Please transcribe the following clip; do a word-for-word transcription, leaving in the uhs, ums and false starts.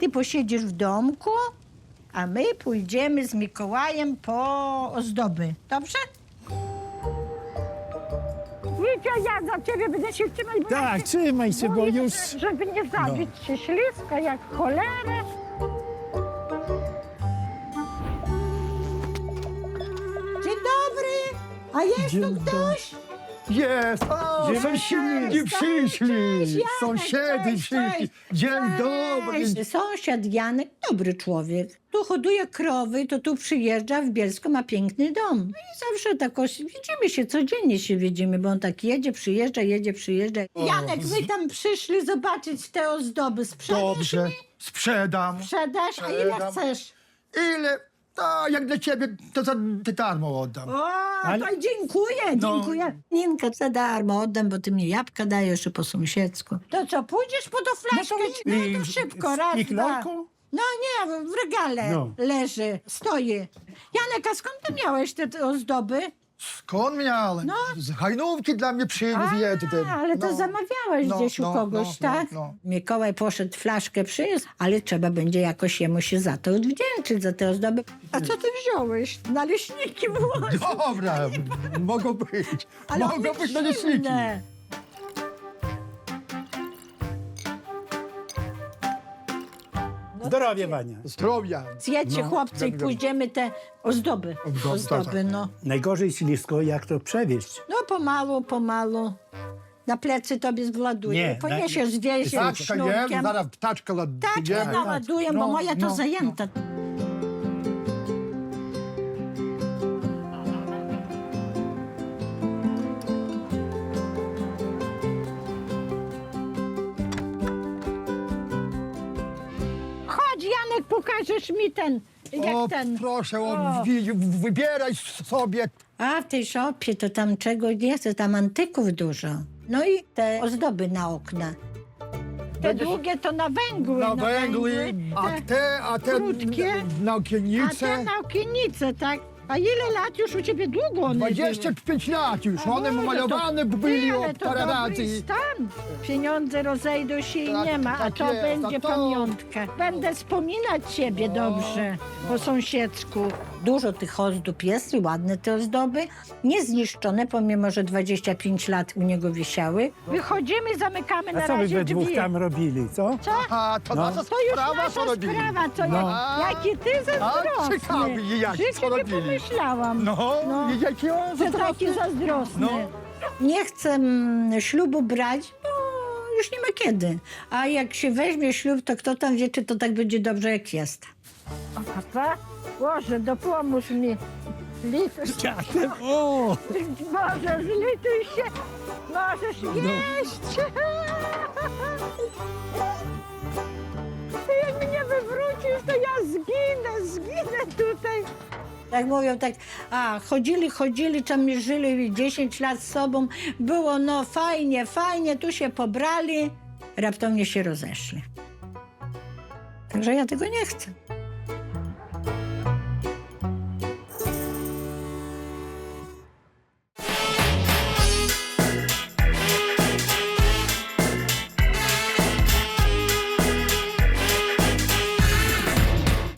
ty posiedzisz w domku, a my pójdziemy z Mikołajem po ozdoby. Dobrze? Wiecie, ja za ciebie będę się trzymać, bo Tak, trzymaj się, bo boję, już... żeby nie zabić się śliska jak cholerę. Dzień dobry! A jest Dzień tu ktoś? Jest! O, Dzień sąsiedzi dobry. przyszli! Cześć, Janek, Sąsiedzi cześć, przyszli! cześć. Dzień dobry! Cześć. Sąsiad Janek, dobry człowiek. Tu hoduje krowy, to tu przyjeżdża, w Bielsko ma piękny dom. No i zawsze tak oś... widzimy się, codziennie się widzimy, bo on tak jedzie, przyjeżdża, jedzie, przyjeżdża. Janek, wy tam przyszli zobaczyć te ozdoby. Sprzedasz Dobrze, mi? sprzedam. Sprzedasz? A ile Sprzedam. chcesz? Ile? A jak dla ciebie, to za ty darmo oddam. O, Ale- to dziękuję, No. dziękuję. Ninka, za darmo oddam, bo ty mi jabłka dajesz i po sąsiedzku. To co, pójdziesz po tą flaszkę? No to, I- szybko, z raz, dwa. piklarką? No nie, w regale No. leży, stoi. Janek, a skąd ty miałeś te, te ozdoby? Skąd miałem? No. Z hajnówki dla mnie przywiózł jeden. ale to No. zamawiałeś No, gdzieś u no, kogoś, no, tak? no, no. Mikołaj poszedł, flaszkę przyniósł, ale trzeba będzie jakoś jemu się za to odwdzięczyć, za te ozdoby. A co ty wziąłeś? Naleśniki włożyć. Dobra, mogą być. Ale Mogą one być naleśniki. zimne. Zdrowie, Wania. Zdrowia. Zjedźcie, No, chłopcy, i dobra. pójdziemy te ozdoby. Ozdoby, Ozdoby, tak. no. Najgorzej ślisko, jak to przewieźć. No pomału, pomału. Na plecy tobie zwładuje. Nie, Poniesiesz, na- zwiejesz Taczka jest, sznurkiem. zaraz taczkę Taczkę ładujemy. naładuję, bo No, moja to no, zajęta. Chodź, Janek, pokażesz mi ten, jak O, ten. proszę, O. o, wi- wybieraj sobie. A w tej szopie to tam czego nie chcę, tam antyków dużo. No i te ozdoby na okna. Te Będziesz- długie to na węgły. Na węgły, a te- te, a te krótkie. na A okiennice. te na okiennice, tak? A ile lat już u ciebie długo one dwadzieścia pięć lat już, były? one A może malowane to- byli Ty, o ale to parę dobry razy. stan. Pieniądze rozejdą się i Tak, nie ma, a tak to jest, będzie a to- pamiątka. Będę wspominać ciebie dobrze po sąsiedzku. Dużo tych ozdób jest i ładne te ozdoby. Niezniszczone, pomimo że dwadzieścia pięć lat u niego wisiały. Wychodzimy, zamykamy na A co wy razie we dwóch drzwi. tam robili, co? Co? A to No. nasza To już sprawa, nasza co robili. sprawa, co No. ja, jaki ty zazdrosny. ciekawy, jak- Życie co nie robili. pomyślałam. No, No. jaki on Że taki zazdrosny. zazdrosny. No. Nie chcę mm, ślubu brać, bo już nie ma kiedy. A jak się weźmie ślub, to kto tam wie, czy to tak będzie dobrze, jak jest. Papa, Boże, dopomóż mi. Dziadem, o! Boże, zlituj się. Możesz jeść. Ty jak mnie wywrócisz, to ja zginę, zginę tutaj. Tak mówią, tak, a chodzili, chodzili, tam żyli dziesięć lat z sobą, było no fajnie, fajnie, tu się pobrali, raptownie się rozeszli. Także ja tego nie chcę.